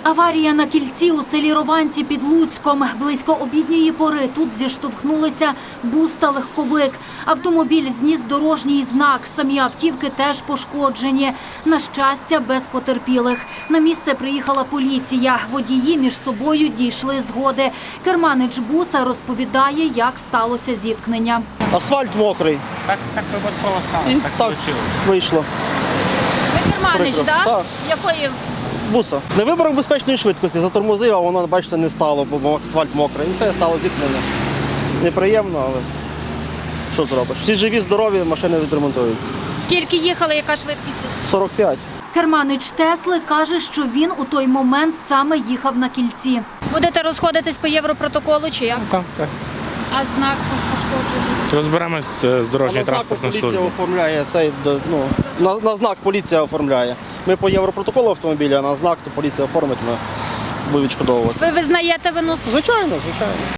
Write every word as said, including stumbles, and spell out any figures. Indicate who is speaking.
Speaker 1: Аварія на кільці у селі Рованці під Луцьком. Близько обідньої пори тут зіштовхнулися бус та легковик. Автомобіль зніс дорожній знак. Самі автівки теж пошкоджені. На щастя, без потерпілих. На місце приїхала поліція. Водії між собою дійшли згоди. Керманич буса розповідає, як сталося зіткнення.
Speaker 2: Асфальт мокрий.
Speaker 3: Так, так випадково
Speaker 2: І
Speaker 3: сталося, так
Speaker 2: так
Speaker 3: вийшло.
Speaker 2: вийшло.
Speaker 4: Ви керманич,
Speaker 2: Прикро.
Speaker 4: так?
Speaker 2: Так.
Speaker 4: Якої?
Speaker 2: Буса. Не вибрав безпечної швидкості, затормозив, а воно, бачите, не стало, бо асфальт мокрий. І все, стало зіткнення. Неприємно, але що зробиш? Всі живі, здорові, машини відремонтуються.
Speaker 4: Скільки їхали, яка швидкість?
Speaker 2: сорок п'ять.
Speaker 1: Керманич Тесли каже, що він у той момент саме їхав на кільці.
Speaker 4: Будете розходитись по європротоколу чи як?
Speaker 3: Так, так.
Speaker 4: А знак пошкоджений?
Speaker 3: Розберемось з дорожньою
Speaker 2: А на знак
Speaker 3: транспортною
Speaker 2: поліція
Speaker 3: службою.
Speaker 2: оформляє цей, до- ну, на, на знак поліція оформляє. Ми по європротоколу автомобіля, а на знак то поліція оформить, ми будемо відшкодовувати.
Speaker 4: Ви визнаєте вину?
Speaker 2: Звичайно, звичайно.